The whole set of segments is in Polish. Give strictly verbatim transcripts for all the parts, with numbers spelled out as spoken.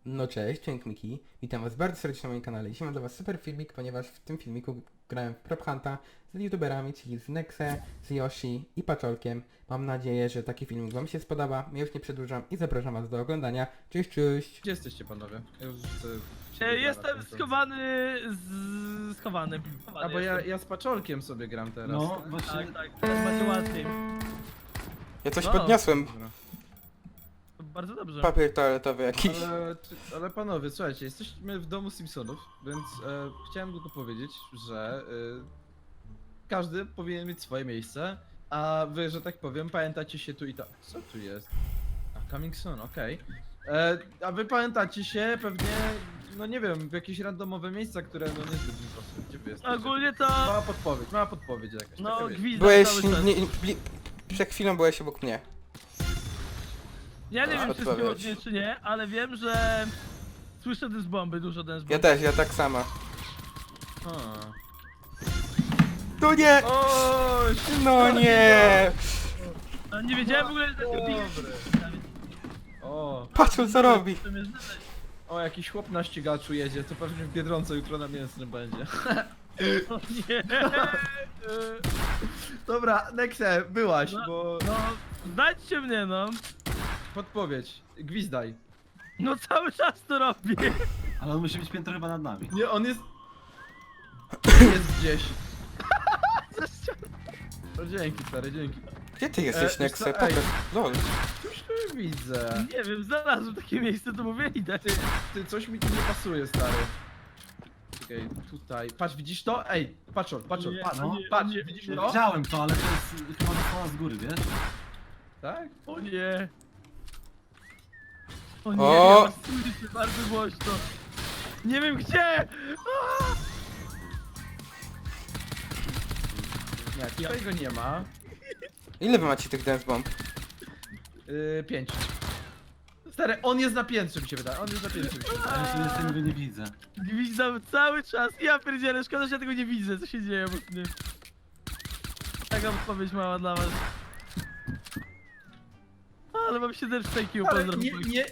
No cześć, Cienk Miki. Witam was bardzo serdecznie na moim kanale. Dzisiaj mam dla was super filmik, ponieważ w tym filmiku grałem w Prop Hunta z youtuberami, czyli z Nexe, z Yoshi i Paczolkiem. Mam nadzieję, że taki filmik wam się spodoba. Ja już nie przedłużam i zapraszam was do oglądania. Cześć, cześć! Gdzie jesteście panowie? Ja już chcę E, jestem schowany z... schowany. schowany A bo ja, jestem. ja z Paczolkiem sobie gram teraz. No, właśnie. Tak, tak, teraz macie łatwiej. Ja coś No. podniosłem. Dobra. To bardzo dobrze. Papier toaletowy jakiś. Ale, czy- ale panowie, słuchajcie, jesteśmy w domu Simpsonów, więc e, chciałem tylko powiedzieć, że e, każdy powinien mieć swoje miejsce, a wy, że tak powiem, pamiętacie się tu i tak. Co tu jest? A, coming soon, okej. E, A wy pamiętacie się pewnie, no nie wiem, w jakieś randomowe miejsca, które no niezbyt mi pasują. Gdzie wy jesteście? Ogólnie to... Mała podpowiedź, mała podpowiedź jakaś. No, taka, wiecie. gwizdam Byłeś... cały czas. Nie, nie, bli- przed chwilą byłeś obok mnie. Ja nie A, wiem, czy odpowiedź. zgodnie, czy nie, ale wiem, że... Słyszę dym z bomby, dużo dym z bomby. Ja też, ja tak samo. A. Tu nie! Oj, No nie! A nie wiedziałem w ogóle, że to Dobry. O, Patrz co robi! o, jakiś chłop na ścigaczu jedzie, to pewnie w Biedronce jutro na mięsnym będzie. O nie! Dobra, Nexe, byłaś, No. bo... No, znajdźcie mnie, no. Podpowiedź, gwizdaj. No cały czas to robię. Ale on musi być piętro chyba nad nami. Nie, on jest... Jest gdzieś. No dzięki, stary, dzięki. Gdzie ty jesteś, E, Nexe? wiesz co, ej. Pokaż. Lol. Coś tu widzę. Nie wiem, znalazłem takie miejsce, to mówię, idę. Ty, ty, coś mi tu nie pasuje, stary. Czekaj, tutaj. Patrz, widzisz to? Ej, patrz, patrz, Nie, patrz, no. nie, patrz, nie, widzisz nie. to? Widziałem to, ale to jest chyba dostała z góry, wiesz? Tak? O nie. O nie, O! ja was słyszę bardzo głośno. Nie wiem gdzie! Aaa! Nie, tutaj go nie ma. Ile wy macie tych dance bomb? Yy, pięć. Stary, on jest na piętrze, mi się wydaje. On jest na piętrze, mi się wydaje. Ale ja sobie tego nie widzę. Gwizdam cały czas. Ja pierdzielę, szkoda, że ja tego nie widzę, co się dzieje obok mnie. Taka odpowiedź mała dla was. Ale mam siedem sztajkił, Ale pozdrow. nie, nie,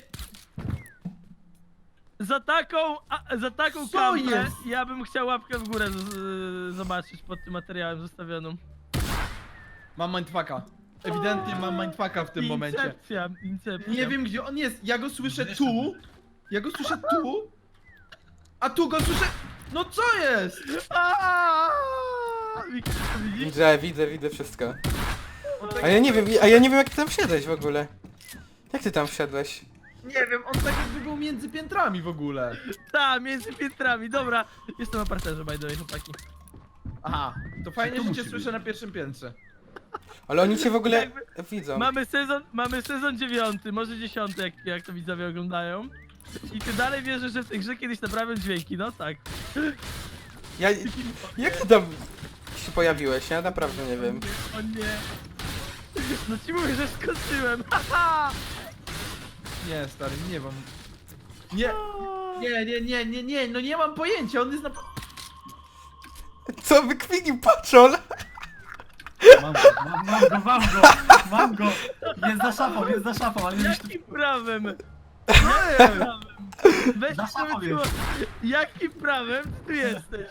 Za taką, a, za taką Co kampę jest? ja bym chciał łapkę w górę z, z, zobaczyć pod tym materiałem zostawionym. mam mindfucka. Ewidentnie mam mindfucka w tym momencie. Incepcja, incepcja. Nie wiem gdzie on jest, ja go słyszę Wiesz, tu. Ja go słyszę tu. A tu go słyszę... No co jest? Aaaa! Widzisz? Widzę, widzę, widzę wszystko. On tak, A ja nie wiem, a ja nie wiem jak ty tam wszedłeś w ogóle. Jak ty tam wszedłeś? nie wiem, on tak jakby był między piętrami w ogóle. Ta, między piętrami, dobra. Jestem na parterze, by the way, chłopaki. Aha, to fajnie, tu że cię musi słyszę być? na pierwszym piętrze. Ale oni cię w ogóle Jakby- widzą. Mamy sezon, mamy sezon dziewiąty, może dziesiąty, jak, jak to widzowie oglądają. I ty dalej wierzysz, że w tej grze kiedyś naprawią dźwięki, no tak. Ja... Jak ty tam się pojawiłeś? Ja naprawdę nie wiem. O nie. No ci mówię, że skończyłem. Haha! Nie, stary, nie mam. Nie, nie, nie, nie, nie, nie, no nie mam pojęcia, on jest na... Co wykwinił paczol? Mam go, mam, mam go, mam go, mam go! Jest za szafą, jest za szafą, ale już tu... Jakim prawem? Nie, Prawem. Weź Za sobie szafą tu... jest. Jakim prawem ty tu jesteś?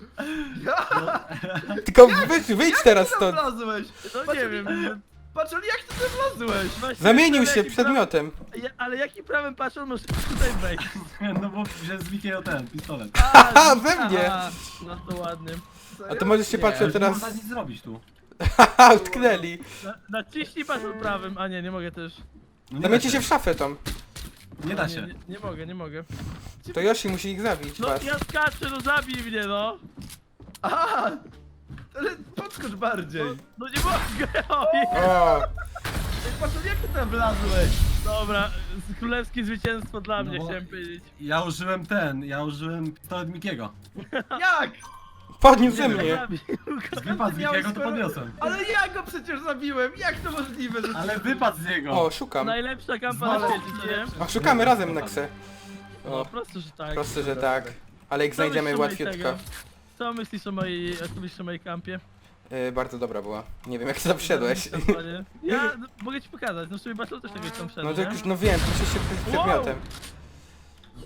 Tylko wyjdź, wyjdź teraz jak ty stąd. tam wlazłeś? No Patrz, nie wiem. Patrz, ale jak ty tam wlazłeś? Właśnie Zamienił jakim się prawem- przedmiotem. Ja, ale jakim prawem patrzą, możesz tutaj wejść? No bo wziąłem z Mikiego ten, pistolet. Haha, we mnie! Aha, no to ładnie. A to możesz się Nie. patrzeć Ale teraz. nie można nic zrobić tu. Haha, utknęli. Na, naciśnij patrzą prawym, a nie, nie mogę też. No nie, Zamiecie da się w szafę tą. Nie da Nie, się. nie, nie mogę, nie mogę. To Yoshi musi ich zabić, No was. ja skaczę, no zabij mnie, no! Aha! Ale podskocz bardziej. No, no nie mogę, ojej. O, Ej, patrz, jak ty tam wlazłeś? Dobra, z- królewskie zwycięstwo dla No mnie, bo- chciałem powiedzieć. Ja użyłem ten, ja użyłem pistolet Mikiego. Jak? podniósł ze Nie wiem. mnie. Zabił go. Wypadł z miałeś Mikiego, to skoro- podniosłem. Ale ja go przecież zabiłem, jak to możliwe, że... Ale wypadł z niego. O, szukam. Najlepsza kampa na Zwalę. świecie, co nie? O, szukamy razem Nexe. No O, prosto, że tak. proste, że tak. Ale ich Co znajdziemy myślisz o mojej łatwiutko. tego? Co myślisz o mojej, co myślisz o mojej kampie? Yy, bardzo dobra była. Nie wiem jak ty tam wszedłeś. Kampanie. Ja no, mogę ci pokazać, no w sumie Battle też tego tam wszedł, No to nie? już, no wiem, musisz się tym przedmiotem.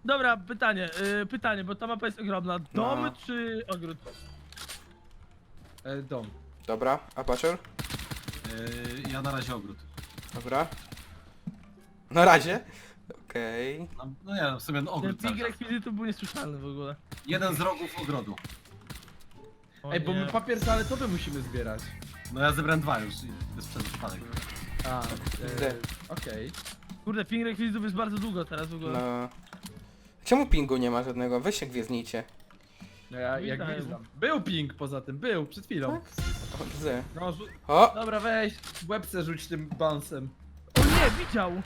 Dobra, pytanie, y, pytanie, bo ta mapa jest ogromna. Dom No. czy ogród? E, dom. Dobra, a Paczor? Yy, ja na razie ogród. Dobra. Na razie. Okej. No, no nie, no w sumie no, Ten ogród cały ping czas. rekwizytów był niesłyszalny w ogóle. Jeden z rogów ogrodu. O Ej, bo nie. my papier toaletowy musimy zbierać. No ja zebrałem dwa już i to jest przez przypadek. A, Gdzie? e, okej. Kurde, ping rekwizytów jest bardzo długo teraz w ogóle. No. Czemu pingu nie ma żadnego? Weź się gwiezdnijcie. No ja jak Witam. gwizdam. Był ping poza tym, był, przed chwilą. O, widzę. No, rzu- O! dobra, weź, w łebce rzuć tym bouncem. O nie, widział!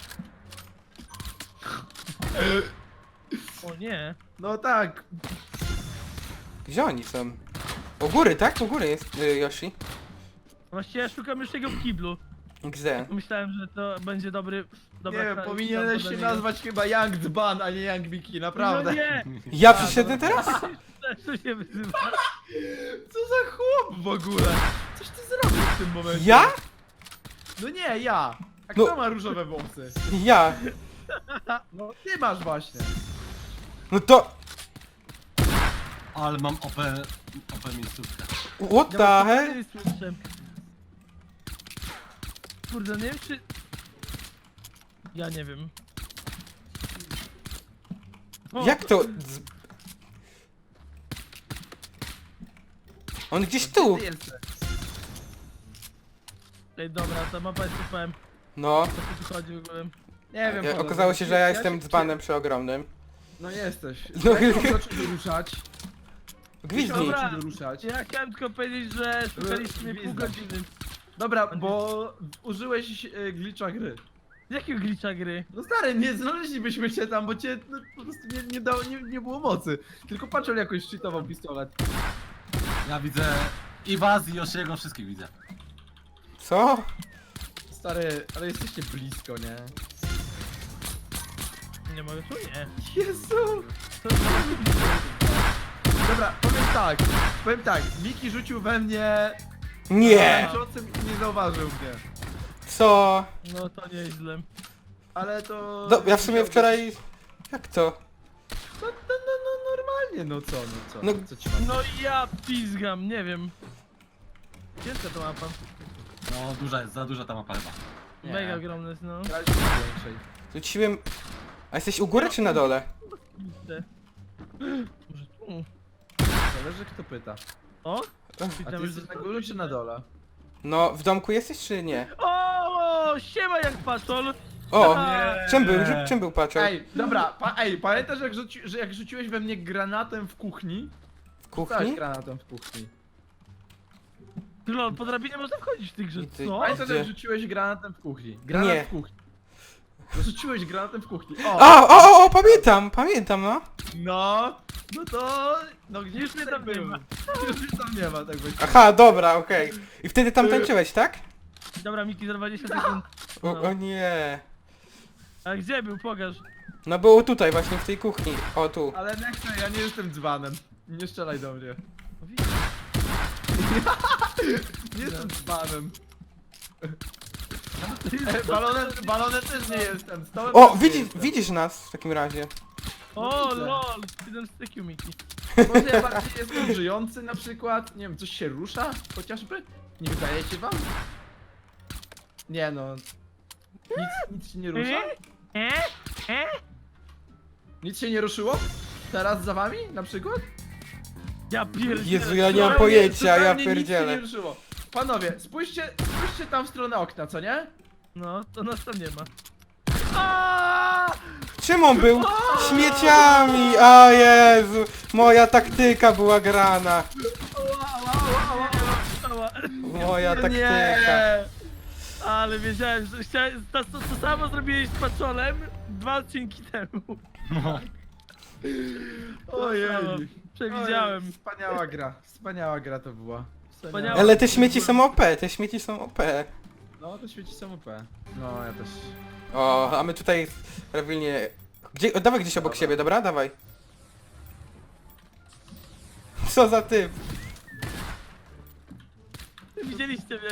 O nie. No tak, Gdzie oni są? U góry, tak? U góry jest y, Yoshi. Właściwie ja szukam już jego w kiblu. Gdzie? Myślałem, że to będzie dobry... Dobra, nie wiem, ka- powinieneś dla się niego. nazwać chyba Young Dzban, a nie Young Miki, naprawdę. No nie! Ja przyszedłem teraz? Też to się wyzywa. Co za chłop w ogóle? Coś ty zrobił w tym momencie? Ja? No nie, ja. A No. kto ma różowe włosy? Ja. No ty masz właśnie. No to... Ale mam O P, O P miejscówkę. What the Ja hell? nie słyszę. Kurde, nie wiem czy... Ja nie wiem. O, Jak to? Z... On gdzieś tu. Ty jesteś. Ej, dobra, ta mapa jest super. No. O co tu chodzi w ogóle? Nie wiem, Ja, Paweł, okazało się, że ja się- jestem dzbanem przeogromnym. No jesteś. No. No jak mam zacząć ruszać? Gwizdnij. Dobra. Zacząć ruszać. Ja chciałem tylko powiedzieć, że szukaliśmy pół Gwizdać. godziny. Dobra, bo użyłeś e, glitcha gry. Jakiego glitcha gry? No stary, nie znaleźlibyśmy się tam, bo cię no, po prostu nie, nie, dało, nie, nie było mocy. Tylko patrzył jakoś cheatował pistolet. Ja widzę i was, i Yoshiego, wszystkich widzę. Co? Stary, ale jesteście blisko, nie? Nie mogę tu? Nie. Jezu! To Dobra, powiem tak, powiem tak, Miki rzucił we mnie Nie! tańczącym i nie zauważył mnie. Co? No to nieźle. Ale to... No, ja w sumie wczoraj... Jak to? No, no, no, no normalnie, no co, no co, No- co ci mam? No ja pizgam, nie wiem. Ciężka to mapa. No duża jest, za duża ta mapa chyba. Nie. Mega ogromne jest, no. Graliśmy na większej. Rzuciłem... A jesteś u góry czy na dole? Kurde. Może tu? Zależy kto pyta. O? A Witam, ty że- jesteś na górze czy na dole? No, w domku jesteś czy nie? O, siema jak patrol. O! Nie. Czym był? Rzu- Czym był paczol? Ej, dobra, pa, ej, pamiętasz jak, rzuci, że jak rzuciłeś we mnie granatem w kuchni? W Stałeś kuchni? granatem w kuchni. Lol, po drabinie można wchodzić w tej grze, I ty- co? Pamiętasz Gdzie? jak rzuciłeś granatem w kuchni? Granat Nie. w kuchni. No, rzuciłeś granatem w kuchni. O! A, o, o, o, pamiętam, pamiętam, no. No! No to... No gdzieś Już mnie tam nie ma. Już mnie tam nie ma, tak będzie. Aha, dobra, okej. I wtedy tam tańczyłeś, tak? Dobra, Miki, za dwadzieścia sekund. O, No. o nie. A gdzie był? Pokaż. No było tutaj, właśnie w tej kuchni. O, tu. Ale Nexa, ja nie jestem dzbanem. Nie strzelaj do mnie. No widzisz. Nie jestem dzbanem. E, Balonem, balonem też nie jestem. Stołem O, też nie widzisz, jestem. widzisz nas w takim razie. O, widzę. lol, jeden z tykiu, Miki. Może ja bardziej jestem żyjący na przykład? Nie wiem, coś się rusza? Chociażby? Nie wydaje się wam? Nie no. Nic, nic się nie rusza? E? E? Nic się nie ruszyło? Teraz za wami na przykład? Ja pierdzielę. Jezu, ja nie mam Zupełnie- pojęcia, ja zupełnie Nic się pierdzielę. nie ruszyło. Panowie, spójrzcie, spójrzcie tam w stronę okna, co nie? No, to nas tam nie ma. Aaaa! Czym on był? Śmieciami! O Jezu! Moja taktyka była grana. Ała. Moja taktyka. Nie! Ale wiedziałem, że chciałem, to, to, to samo zrobiłeś z paczolem dwa odcinki temu. Ojej. Przewidziałem. Oj, Wspaniała gra, wspaniała gra to była. Wspaniała. Ale te śmieci są O P, te śmieci są O P. No, to świeci są O P. No, ja też. O, a my tutaj prawilnie... Gdzie, o, dawaj gdzieś obok Dobra. siebie, dobra? Dawaj. Co za typ? Widzieliście mnie,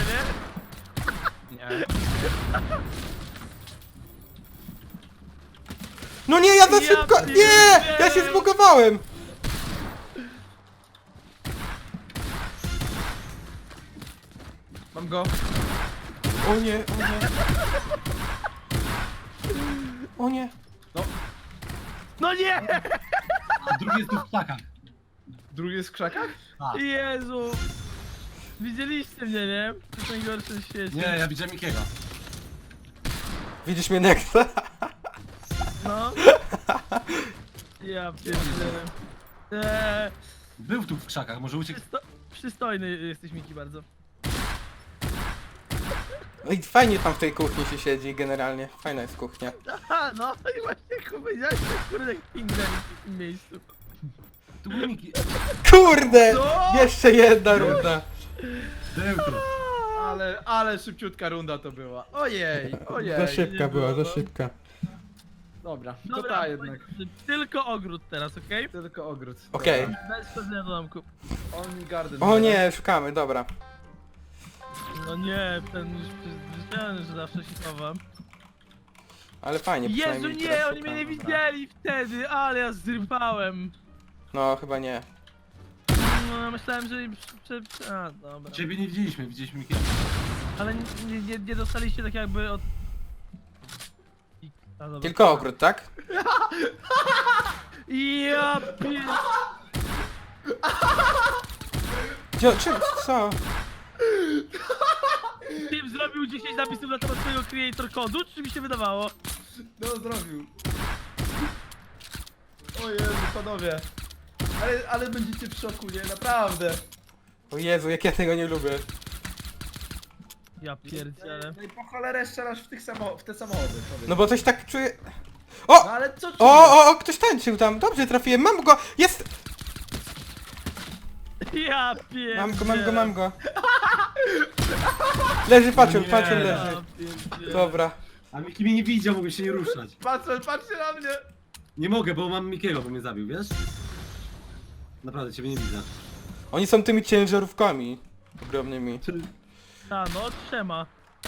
nie? Nie. No nie, ja za Ja szybko! pierdzielę. Nie! Ja się zbugowałem! Mam go. O nie, o nie. O nie. No nie! Drugi jest tu w ptakach. Drugi jest w krzakach? Tak. Jezu! Widzieliście mnie, nie? To jest najgorsze w świecie. Nie, ja widziałem Mikiego. Widzisz mnie Nexa? No. Ja pierdzielę. Eee, Był tu w krzakach, może uciekł. przysto przystojny jesteś, Miki, bardzo. No i fajnie tam w tej kuchni się siedzi generalnie. Fajna jest kuchnia. Aha, no i właśnie jak powiedziałeś, tak kurde jak pingwin w tym miejscu. Tu był Miki. Kurde! Co? Jeszcze jedna runda. Był tu. Ale, ale szybciutka runda to była. Ojej, ojej. Za szybka nie była, było, za no. szybka. Dobra, to Dobra, ta jednak. tylko ogród teraz, okej? Tylko ogród. Okej. Bez wchodzenia do domku. Only garden. O nie, szukamy, dobra. No nie, ten już przyzwyczajony, że zawsze się chowam. Ale fajnie, Jezu przynajmniej nie, teraz oni mnie szukamy. nie widzieli wtedy, ale ja zrypałem. No, chyba nie. No myślałem, że... Prze, prze, a, dobra. Ciebie nie widzieliśmy, widzieliśmy Mikiego. Ale nie, nie, nie dostaliście tak jakby od... A, dobra. Tylko ogród, tak? Ja pier... Gdzie, czy, co? Tym zrobił dziesięć napisów na temat swojego creator kodu, czy mi się wydawało? No zrobił. O Jezu, panowie. Ale, ale będziecie w szoku, nie? Naprawdę. O Jezu, jak ja tego nie lubię. Ja pierdzielę. No i po cholerę strzelasz w, tych samo, w te samochody. powiedz. No bo coś tak czuję... No O! ale co O, czujesz? o, o, ktoś tańczył tam. Dobrze trafiłem, mam go! Jest! Ja pierdzielę. Mam go, mam go, mam go. Leży, patrzył, Nie. patrzył, Ja leży. pierdzielę. Dobra. A Miki mnie nie widział, mogę się nie ruszać. Patrzcie, patrzcie na mnie! Nie mogę, bo mam Mikiego, bo mnie zabił, wiesz? Naprawdę, ciebie nie widzę. Oni są tymi ciężarówkami ogromnymi. A no, trzema.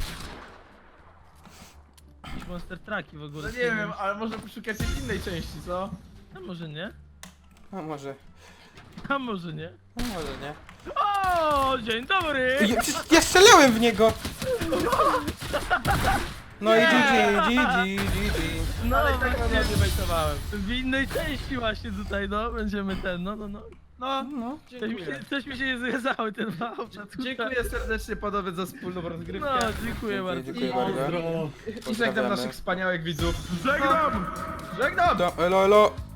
Jakieś monster trucki w ogóle. No nie wiem, ale może poszukacie w innej części, co? A może nie? A może... A może nie? A może nie. O, dzień dobry! Ja, przecież ja strzelałem w niego! No i G G, G G, G G. No ale i tak właśnie, nie wejtowałem. w innej części właśnie tutaj, no, będziemy ten, no, no, no. No, No. Coś mi się, dziękuję. coś mi się nie zgadzały ten małp. Dziękuję serdecznie panowie za wspólną rozgrywkę. No, dziękuję bardzo. Dziękuję bardzo. Pozdro. I żegnam Pozdrawiamy. naszych wspaniałych widzów. Żegnam! Żegnam! To, elo, elo.